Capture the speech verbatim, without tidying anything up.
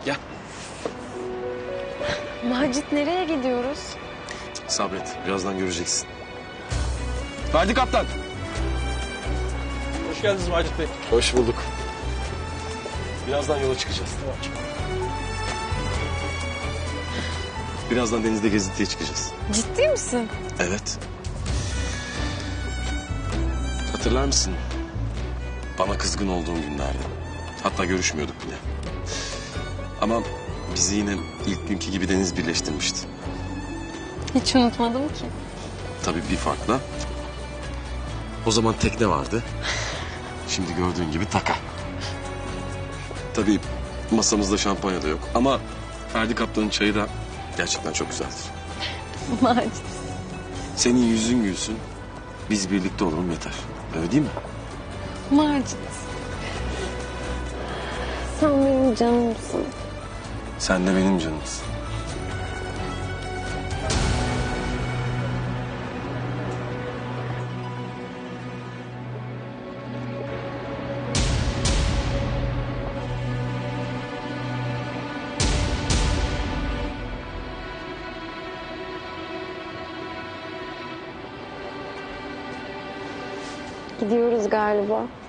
Gel. Macit nereye gidiyoruz? Sabret. Birazdan göreceksin. Ferdi Kaptan. Hoş geldiniz Macit Bey. Hoş bulduk. Birazdan yola çıkacağız. Birazdan denizde gezintiye çıkacağız. Ciddi misin? Evet. Hatırlar mısın? Bana kızgın olduğum günlerde. Hatta görüşmüyorduk bile. Ama bizi yine ilk günkü gibi deniz birleştirmişti. Hiç unutmadım ki. Tabii bir farkla. O zaman tekne vardı. Şimdi gördüğün gibi taka. Tabii masamızda şampanya da yok. Ama Ferdi Kaptan'ın çayı da gerçekten çok güzeldir. Macit. Senin yüzün gülsün. Biz birlikte olalım yeter. Öyle değil mi? Macit. Sen benim canımsın. Sen de benim canımsın. Gidiyoruz galiba.